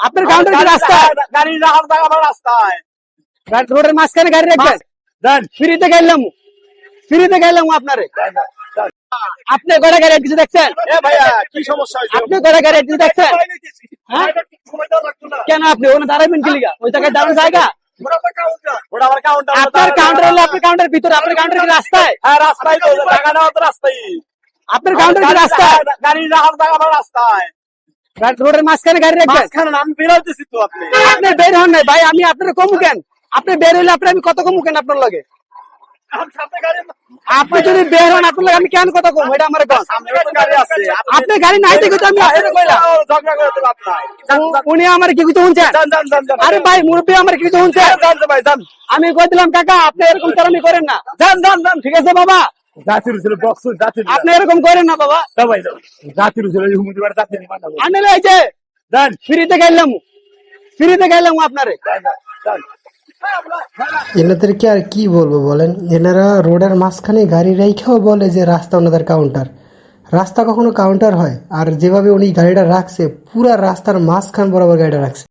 আপনার কাউন্টার কি রাস্তায়? গাড়ি রাখার জায়গা আমার রাস্তায়। রোডের মাঝখানে গাড়ি রাখবেন? দেন ফ্রিতে গাইলাম আপনারে। আপনি কয়টা গাড়ি কিছু দেখছেন? এ ভাইয়া কি সমস্যা হয়েছে? আপনি কয়টা গাড়ি কিছু দেখছেন? হ্যাঁ? সময় দেওয়া লাগতো না। কেন আপনি ওখানে দাঁড়াবেন কি লিগা? ওই জায়গায় দাঁড়ানোর জায়গা? ওটা আমার কাউন্টার। আপনার কাউন্টার হলে আপনার কাউন্টারের ভিতরে, আপনার কাউন্টার কি রাস্তায়? হ্যাঁ রাস্তায় তো, জায়গা নেওয়া তো রাস্তায়। আপনার কাউন্টার কি রাস্তায়? গাড়ি রাখার জায়গা আমার রাস্তায়। রোডের মাঝখানে গাড়ি রাখবেন? মাঝখানে না, আমি বেরোতেছি তো। আপনি আপনি বের হন নাই ভাই, আমি আপনার কমু কেন? আপনি বের হইলে আপনি আমি কত কমু কেন আপনার লগে? আমার সামনে গাড়ি, আপনি যদি বের হন আপনার লগে আমি কেন কত কম, এটা আমার কন। সামনে তো গাড়ি আছে। আপনার গাড়ি নাই দেখে তো আমি এটা কইলাম। ঝগড়া করে দেবো আপনার। উনি আমার কি কিছু শুনছেন? যান যান যান যান। আরে ভাই মুরব্বী আমার কি কিছু শুনছেন? যান তো ভাই যান। আমি কই দিলাম কাকা আপনি এরকম চালামি করেন না। যান যান যান। ঠিক আছে বাবা, জাতির ছিল বক্স জাতির। আপনি এরকম করেন না বাবা। ভাই জাতির ছিল হুমুদি বাড়ি জাতির মানাবো। আমি এই যে যান ফ্রিতে গাইলাম আপনারে। যান। এনাদেরকে আর কি বলবো বলেন, এনারা রোডের মাঝখানে গাড়ি রেখেও বলে যে রাস্তা ওনাদের কাউন্টার। রাস্তা কখনো কাউন্টার হয়? আর যেভাবে উনি গাড়িটা রাখছে পুরা রাস্তার মাঝখান বরাবর গাড়িটা রাখছে।